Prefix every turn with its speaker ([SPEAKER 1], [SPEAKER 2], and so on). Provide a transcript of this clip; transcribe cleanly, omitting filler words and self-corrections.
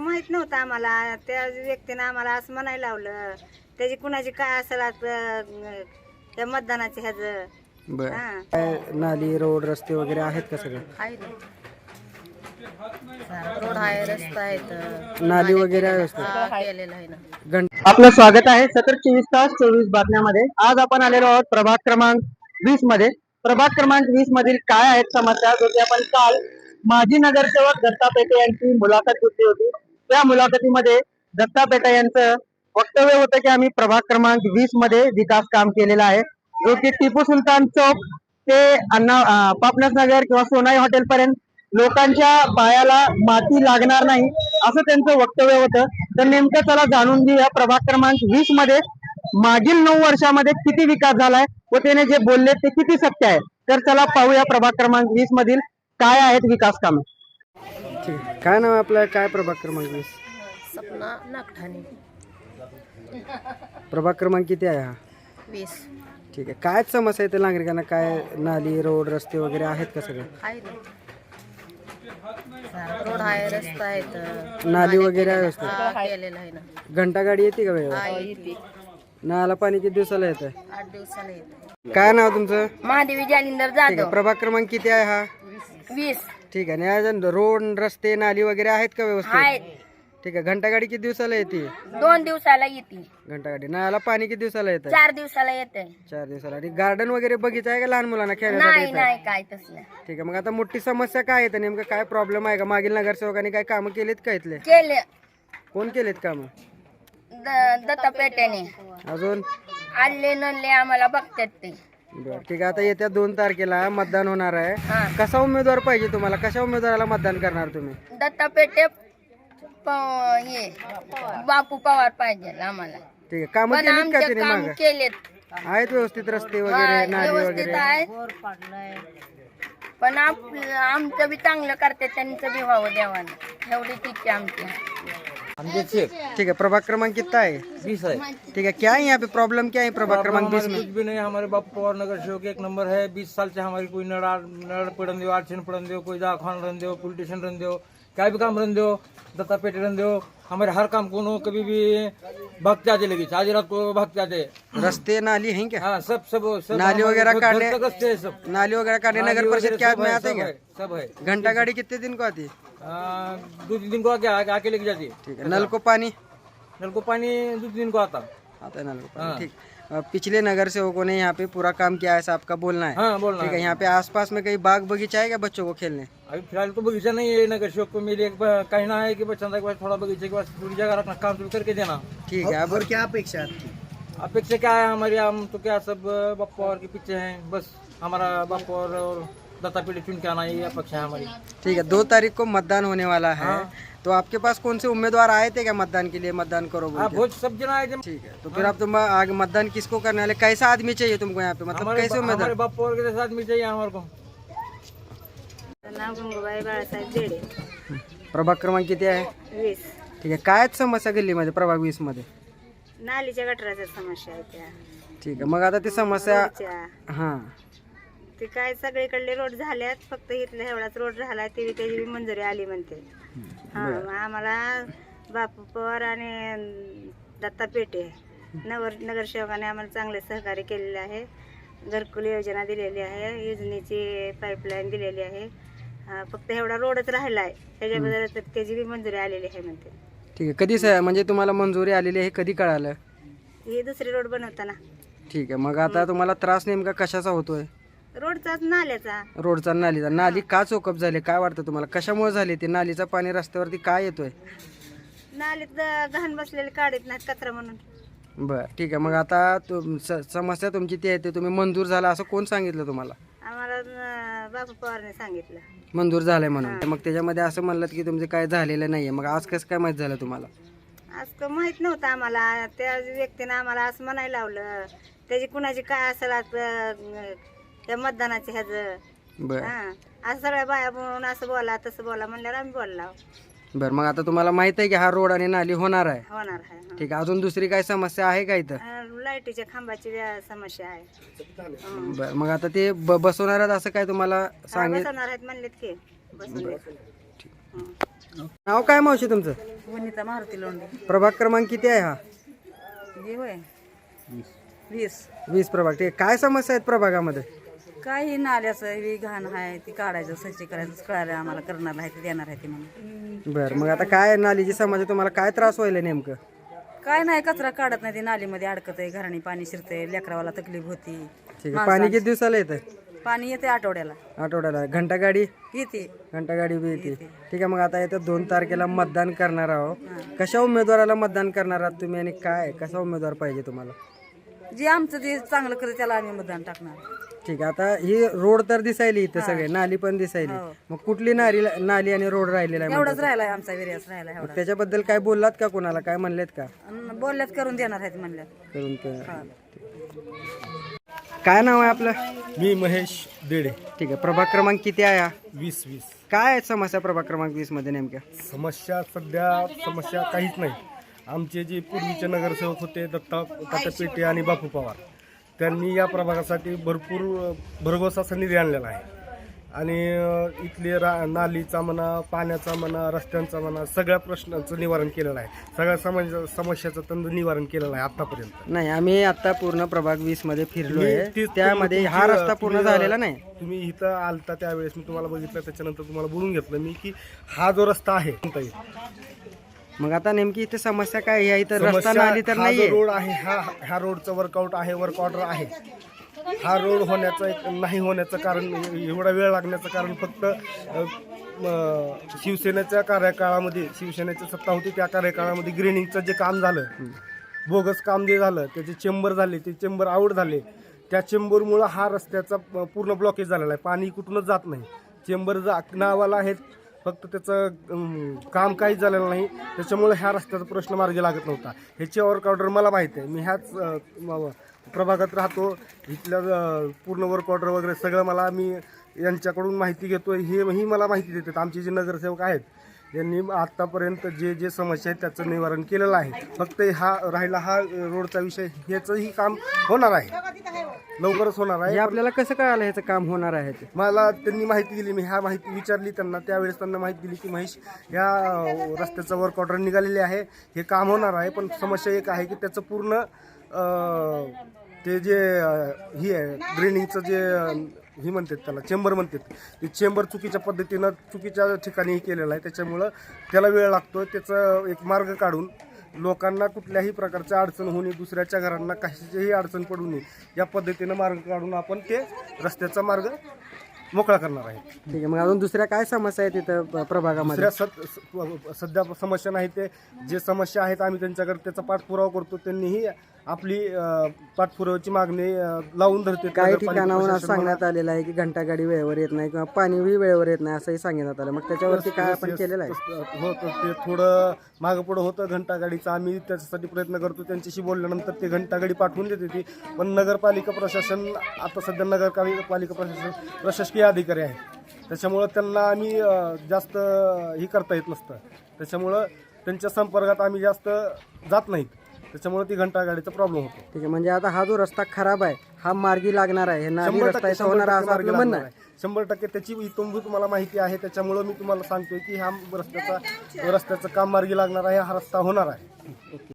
[SPEAKER 1] माहित नव्हतं आम्हाला. त्या व्यक्तीनं आम्हाला असं म्हणायला लावलं. त्याची कुणाची काय असेल त्या मतदानाचे ह्याचं.
[SPEAKER 2] बर
[SPEAKER 1] हा.
[SPEAKER 2] काय नाली रोड रस्ते वगैरे आहेत का सगळे?
[SPEAKER 3] आहे ना. रोड आहे, रस्ता आहेत,
[SPEAKER 2] नाली वगैरे आहे व्यवस्थित?
[SPEAKER 3] केलेलं आहे ना.
[SPEAKER 2] आपलं स्वागत आहे सतत 24 तास 24 बातम्यामध्ये. आज आपण आलेलो आहोत प्रभाग क्रमांक 20 मध्ये. प्रभाग क्रमांक 20 मधील काय आहेत समस्या, जो की आपण काल माजी नगरसेवक दत्ता पेटे यांची मुलाखत घेतली होती. त्या मुलाखतीमध्ये दत्ता पेटे यांचं वक्तव्य होतं की आम्ही प्रभाग क्रमांक 20 मध्ये विकास काम केलेला आहे, जो की टिपू सुलतान चौक ते पापनास नगर किंवा सोनाई हॉटेल पर्यंत लोकांच्या पायाला माती लागणार नाही, असं त्यांचं वक्तव्य होतं. तर नेमकं चला जाणून घेऊया प्रभाग क्रमांक 20 मध्ये मागील 9 वर्षामध्ये किती विकास झालाय व त्याने जे बोलले ते किती सत्य आहे. तर चला पाहूया प्रभाग क्रमांक 20 मधील काय आहेत विकास कामे. काय नाव आपलं, काय प्रभाग क्रमांक 20?
[SPEAKER 3] सपना नागठाणे.
[SPEAKER 2] प्रभाग क्रमांक किती आहे हा?
[SPEAKER 3] 20.
[SPEAKER 2] ठीक आहे. काय समस्या आहे त्या नागरिकांना? काय नाली रोड रस्ते वगैरे आहेत का सगळे?
[SPEAKER 3] आहे ना. रोड आहे, रस्ता आहेत,
[SPEAKER 2] नाली वगैरे आहे व्यवस्थित?
[SPEAKER 3] केलेलं आहे ना.
[SPEAKER 2] घंटा गाडी येते का वेळेवर?
[SPEAKER 3] हा, येते.
[SPEAKER 2] नळाला पाणी किती दिवसाला येतं?
[SPEAKER 3] 8 दिवसाला येते.
[SPEAKER 2] काय नाव तुमचं?
[SPEAKER 3] महादेवी जालिंदर
[SPEAKER 2] ठीक आहे.
[SPEAKER 3] जाधव.
[SPEAKER 2] प्रभाग क्रमांक किती आहे हा?
[SPEAKER 3] 20.
[SPEAKER 2] ठीक आहे. आणि अजून रोड रस्ते नाली वगैरे आहेत का व्यवस्थित?
[SPEAKER 3] आहेत.
[SPEAKER 2] ठीक आहे. घंटा गाडी किती दिवसाला येते?
[SPEAKER 3] 2 दिवसाला येते.
[SPEAKER 2] घंटा गाडी. नळाला पाणी किती दिवसाला येतं?
[SPEAKER 3] 4 दिवसाला येते.
[SPEAKER 2] 4 दिवसाला. आणि गार्डन वगैरे बगीचा आहे का लहान मुलांना खेळण्यासाठी
[SPEAKER 3] नाही
[SPEAKER 2] येतं?
[SPEAKER 3] नाही, काय तसलं.
[SPEAKER 2] ठीक आहे. मग आता मोठी समस्या काय येतं नेमकं? काय प्रॉब्लेम आहे का? मागील नगरसेवकांनी काय कामं केलीत का इथले?
[SPEAKER 3] केले
[SPEAKER 2] कोण केलेत कामं?
[SPEAKER 3] दत्ता पेट्याने.
[SPEAKER 2] अजून?
[SPEAKER 3] आले नले आम्हाला बघतात ते.
[SPEAKER 2] बरं ठीक आहे. आता येत्या 2 तारखेला मतदान होणार आहे.
[SPEAKER 3] हा.
[SPEAKER 2] कसा उमेदवार पाहिजे तुम्हाला? कशा उमेदवाराला मतदान करणार तुम्ही?
[SPEAKER 3] दत्ता पेटे हे बापू पवार पाहिजे आम्हाला.
[SPEAKER 2] ठीक आहे. कामं
[SPEAKER 3] पण
[SPEAKER 2] केलीत का
[SPEAKER 3] आमचे
[SPEAKER 2] तिने
[SPEAKER 3] काम
[SPEAKER 2] मागं?
[SPEAKER 3] केलेत.
[SPEAKER 2] आहेत व्यवस्थित रस्ते
[SPEAKER 3] हा,
[SPEAKER 2] वगैरे नाली
[SPEAKER 3] व्यवस्थित
[SPEAKER 2] वगैरे?
[SPEAKER 3] आहे. पण आमचं बी चांगलं करते, त्यांचं बी व्हावं देवानं, एवढी इच्छा आमची.
[SPEAKER 2] ठीक है. प्रभाग क्रमांक कितना है?
[SPEAKER 4] 20 है।
[SPEAKER 2] ठीक है. क्या है यहाँ पे प्रॉब्लम, क्या है प्रभाग क्रमांक 20 में?
[SPEAKER 4] कुछ भी नहीं, हमारे बापू पवार नगर सेवक 1 नंबर है। 20 साल से हमारी कोई नड़ पड़न दो, आरक्षण पड़न दो, कोई दवाखान रन दो, पुलिस स्टेशन रन दो, क्या भी काम रन दो, दत्ता पेटे रन दो, हमारे हर काम को कभी भी भक्त आते लगी, आज रात को भक्त आते।
[SPEAKER 2] रस्ते नाली हैं क्या?
[SPEAKER 4] हाँ, सब
[SPEAKER 2] नाली वगैरह काटने,
[SPEAKER 4] सब
[SPEAKER 2] नाली वगैरह काटने नगर परिषद क्या में आते क्या?
[SPEAKER 4] सब है।
[SPEAKER 2] घंटा गाड़ी कितने दिन को आती है?
[SPEAKER 4] 2-3 दिन को आके लेके जाती है।
[SPEAKER 2] ठीक है. नल को पानी?
[SPEAKER 4] नल को पानी 2 दिन को आता।
[SPEAKER 2] आता है नल को पानी. ठीक. पिछले नगर सेवकों ने यहाँ पे पूरा काम किया है, ऐसा आपका बोलना है?
[SPEAKER 4] हाँ, बोलना
[SPEAKER 2] ठीक है.
[SPEAKER 4] है।
[SPEAKER 2] यहाँ पे आसपास में कहीं बाग बगीचा है क्या बच्चों को खेलने?
[SPEAKER 4] अभी फिलहाल तो बगीचा नहीं है नगर सेवक को। मेरी एक कहना है कि बच्चा के पास थोड़ा बगीचे के पास थोड़ी जगह रखना, काम शुरू करके देना।
[SPEAKER 2] ठीक है. अब क्या अपेक्षा है?
[SPEAKER 4] अपेक्षा क्या है हमारी, हम तो क्या सब बापू और के पीछे हैं, बस हमारा बापू और दत्ता पेटे चुन के आना, ये अपेक्षा है हमारी।
[SPEAKER 2] ठीक है. 2 तारीख को मतदान होने वाला है.
[SPEAKER 4] हाँ।
[SPEAKER 2] तो आपके पास कौन से उम्मीदवार आए थे क्या मतदान के लिए? मतदान करो बोल
[SPEAKER 4] हाँ,
[SPEAKER 2] के?
[SPEAKER 4] बहुत सब जना है।
[SPEAKER 2] ठीक है. तो फिर आप तुम आगे मतदान किसको करने वाले? कैसा आदमी चाहिए तुमको यहाँ पे? मतलब
[SPEAKER 4] हमारे
[SPEAKER 2] कैसे उम्मीदवार?
[SPEAKER 4] हमारे बापू और के साथ मिल चाहिए हमारे को।
[SPEAKER 1] नाव गंगूबाई बाळासाहेब जेडे.
[SPEAKER 2] प्रभाग क्रमांक किती आहे?
[SPEAKER 1] 20.
[SPEAKER 2] ठीक आहे. काय समस्या गल्लीमध्ये प्रभाग 20 मध्ये?
[SPEAKER 1] नालीच्या गटराच्या समस्या आहे त्या.
[SPEAKER 2] ठीक आहे. मग आता ती समस्या
[SPEAKER 1] रोडच्या.
[SPEAKER 2] हा
[SPEAKER 1] ते काय सगळीकडले रोड झाल्यात, फक्त इथला एवढाच रोड राहिला, त्याची बी मंजुरी आली म्हणते. हा, मग आम्हाला बापू पवार आणि दत्ता पेटे नगरसेवकाने आम्हाला चांगले सहकार्य केलेले आहे. घरकुल योजना दिलेली आहे, योजनेची पाईपलाईन दिलेली आहे. फक्त एवढा रोडच राहिला आहे, त्याच्याबद्दल त्याची बी मंजुरी आलेली आहे म्हणते.
[SPEAKER 2] ठीक आहे. कधी म्हणजे तुम्हाला मंजुरी आलेली आहे कधी कळालं?
[SPEAKER 1] ही दुसरी रोड बनवताना.
[SPEAKER 2] ठीक आहे. मग आता तुम्हाला त्रास नेमका कशाचा होतोय?
[SPEAKER 1] रोडचाच नाल्याचा.
[SPEAKER 2] रोडचा नालीचा. नाली का चोकअप झाली काय वाटतं तुम्हाला? कशामुळे झाली ती? नालीचा पाणी रस्त्यावरती काय येतोय?
[SPEAKER 1] नालीत घाण बसलेले काढत नाहीत कचरा म्हणून.
[SPEAKER 2] बर ठीक आहे. मग आता समस्या तुमची ती आहे ते तुम्ही मंजूर झाला असं कोण सांगितलं तुम्हाला?
[SPEAKER 1] आम्हाला बापू पवारने सांगितलं.
[SPEAKER 2] मंजूर झालंय म्हणून. मग त्याच्यामध्ये असं म्हणलं की तुमचं काय झालेलं नाहीये, मग आज कसं काय माहित झालं तुम्हाला?
[SPEAKER 1] असं माहित नव्हतं आम्हाला. त्या व्यक्तीनं आम्हाला असं म्हणायला लावलं. त्याची कुणाची काय असेल त्या मतदानाचे ह्याचं.
[SPEAKER 2] बर
[SPEAKER 1] हा, असं सगळ्या बाया म्हणून असं बोला तसं बोला म्हणल्यावर आम्ही बोललो.
[SPEAKER 2] बर. मग आता तुम्हाला माहित आहे की हा रोड आणि नाली होणार आहे?
[SPEAKER 1] होणार आहे. हा.
[SPEAKER 2] ठीक आहे. अजून दुसरी काय समस्या आहे का इथं?
[SPEAKER 1] लाईटीच्या खांबाची समस्या आहे.
[SPEAKER 2] बर. मग आता ते बसवणार आहेत असं काय तुम्हाला सांगितलं?
[SPEAKER 1] बसवणार आहेत म्हणलेत की बसवले.
[SPEAKER 2] नाव काय मावशी तुमचं?
[SPEAKER 1] सुनीता मारुती लोंढे.
[SPEAKER 2] प्रभाग क्रमांक किती आहे हा?
[SPEAKER 1] हे होय 20.
[SPEAKER 2] 20 प्रभाग. ठीक आहे. काय समस्या आहेत प्रभागामध्ये?
[SPEAKER 1] काही नाल्याचं ही घाण आहे ती काढायचं स्वच्छ करायचं कळालं आम्हाला करणार आहे ते देणार आहे ते म्हणून.
[SPEAKER 2] बरं, मग आता काय नालीची समस्या, तुम्हाला काय त्रास व्हायला नेमकं?
[SPEAKER 1] काय नाही कचरा काढत नाही ती नालीमध्ये अडकत आहे घराणी पाणी शिरतंय लेकरावाला तकलीफ होती.
[SPEAKER 2] ठीक आहे. पाणी किती दिवसाला येतं?
[SPEAKER 1] पाणी येते आठवड्याला
[SPEAKER 2] आठवड्याला. घंटा गाडी
[SPEAKER 1] येते.
[SPEAKER 2] बी येते. ठीक आहे. मग आता येतं 2 तारखेला मतदान करणार आहोत. कशा उमेदवाराला मतदान करणार आहात तुम्ही आणि काय कसा उमेदवार पाहिजे तुम्हाला?
[SPEAKER 1] जे आमचं ते चांगलं करत त्याला आम्ही मतदान टाकणार.
[SPEAKER 2] ठीक आहे. आता ही रोड तर दिसायली इथं सगळे, नाली पण दिसायली. मग कुठली नाली आणि रोड राहिलेला आहे?
[SPEAKER 1] एवढाच राहिलाय आमचा विर्यास राहिला एवढा.
[SPEAKER 2] त्याच्याबद्दल काय बोललात का कोणाला? काय म्हणलेत का?
[SPEAKER 1] बोलल्यात करून देणार आहेत म्हणल्यात.
[SPEAKER 2] करून काय नाव आहे आपलं?
[SPEAKER 5] मी महेश देडे.
[SPEAKER 2] ठीक आहे. प्रभाग क्रमांक किती आहे हा?
[SPEAKER 5] 20.
[SPEAKER 2] काय आहेत समस्या प्रभाग क्रमांक 20 मध्ये नेमक्या?
[SPEAKER 5] समस्या काहीच नाही. आमचे जे पूर्वीचे नगरसेवक होते दत्ता पेटे आणि बापू पवार, त्यांनी या प्रभागासाठी भरपूर भरघोस असा निधी आणलेला आहे आणि इथले नालीचा म्हणा, पाण्याचा म्हणा, रस्त्यांचा म्हणा, सगळ्या प्रश्नांचं निवारण केलेलं आहे. सगळ्या समस्याचं तंत्र निवारण केलेलं आहे आतापर्यंत.
[SPEAKER 2] नाही, आम्ही आता पूर्ण प्रभाग 20 मध्ये फिरलो आहे.
[SPEAKER 5] तेच
[SPEAKER 2] त्यामध्ये हा रस्ता पूर्ण झालेला नाही.
[SPEAKER 5] तुम्ही इथं आलता त्यावेळेस मी तुम्हाला बघितलं, त्याच्यानंतर तुम्हाला बोलून घेतलं मी की हा जो रस्ता आहे
[SPEAKER 2] मग आता नेमकी इथे समस्या काय आहे? इथं रस्ता नाली तर
[SPEAKER 5] हा
[SPEAKER 2] नाहीये.
[SPEAKER 5] जो रोड आहे ह्या रोडचं वर्क ऑर्डर आहे. हा रोड नाही होण्याचं कारण, एवढा वेळ लागण्याचं कारण फक्त शिवसेनेच्या कार्यकाळामध्ये, शिवसेनेची सत्ता होती त्या कार्यकाळामध्ये ग्रेनिंगचं जे काम झालं, बोगस काम जे झालं, त्याचे चेंबर झाले, ते चेंबर आउट झाले. त्या चेंबरमुळं हा रस्त्याचा पूर्ण ब्लॉकेज झालेला आहे. पाणी कुठूनच जात नाही. चेंबर नावाला आहेत, फक्त त्याचं काम काहीच झालेलं नाही. त्याच्यामुळे ह्या रस्त्याचा प्रश्न मार्गी लागत नव्हता. ह्याची वर्क ऑर्डर मला माहीत आहे. मी ह्याच प्रभागात राहतो. इथल्या पूर्ण वर्क ऑर्डर वगैरे सगळं मी यांच्याकडून माहिती घेतो. ही मला माहिती देतात. आमचे जे नगरसेवक आहेत यांनी आत्तापर्यंत जे समस्या आहेत त्याचं निवारण केलेलं आहे. फक्त हा रोडचा विषय, ह्याचंही काम होणार आहे, लवकरच होणार आहे.
[SPEAKER 2] हे आपल्याला कसं कळालं ह्याचं काम होणार आहे ते?
[SPEAKER 5] मला त्यांनी माहिती दिली. मी ह्या माहिती विचारली त्यांना, त्यावेळेस त्यांना माहिती दिली की महेश, या रस्त्याचं वर्क ऑर्डर निघालेले आहे, हे काम होणार आहे. पण समस्या एक आहे की त्याचं पूर्ण ते जे ही आहे ड्रेनिंगचं जे ही म्हणतात त्याला चेंबर म्हणतात, ते चेंबर चुकीच्या पद्धतीनं चुकीच्या ठिकाणी केलेलं आहे. त्याच्यामुळं त्याला वेळ लागतो. त्याचं एक मार्ग काढून लोकांना कुठल्याही प्रकारच्या अडचण होऊ नये, दुसऱ्याच्या घरांना कशाचीही अडचण पडू नये, या पद्धतीनं मार्ग काढून आपण ते रस्त्याचा मार्ग मोकळा करणार आहे.
[SPEAKER 2] ठीक आहे. मग अजून दुसऱ्या काय समस्या आहेत तिथं प्रभागामध्ये?
[SPEAKER 5] सध्या समस्या नाही. ते जे समस्या आहेत आम्ही त्यांच्याकडे त्याचा पाठपुरावा करतो. त्यांनीही आपली पाठपुराव्याची मागणी लावून धरते.
[SPEAKER 2] काही ठिकाणाहून असं सांगण्यात आलेलं आहे की घंटागाडी वेळेवर येत नाही किंवा पाणीही वेळेवर येत नाही असंही सांगण्यात आलं. मग त्याच्यावरती काय आपण केलेलं आहे?
[SPEAKER 5] होतं ते थोडं मागं पुढं होतं घंटागाडीचं. आम्ही त्याच्यासाठी प्रयत्न करतो. त्यांच्याशी बोलल्यानंतर ते घंटागाडी पाठवून देते ती. पण नगरपालिका प्रशासन, आता सध्या नगरपालिका प्रशासकीय अधिकारी आहे, त्याच्यामुळं त्यांना आम्ही जास्त ही करता येत नसतं. त्याच्यामुळं त्यांच्या संपर्कात आम्ही जास्त जात नाहीत. त्याच्यामुळे ती घंटागाडीचा प्रॉब्लेम होतो.
[SPEAKER 2] ठीक आहे. म्हणजे आता हा जो रस्ता खराब आहे हा मार्गी लागणार आहे, हे नाली रस्ता इथं होणार आहे असं आपलं म्हणणं आहे?
[SPEAKER 5] 100% त्याची इतंभूत तुम्हाला माहिती आहे. त्याच्यामुळं मी तुम्हाला सांगतोय की ह्या रस्त्याचं काम मार्गी लागणार आहे, हा रस्ता होणार आहे.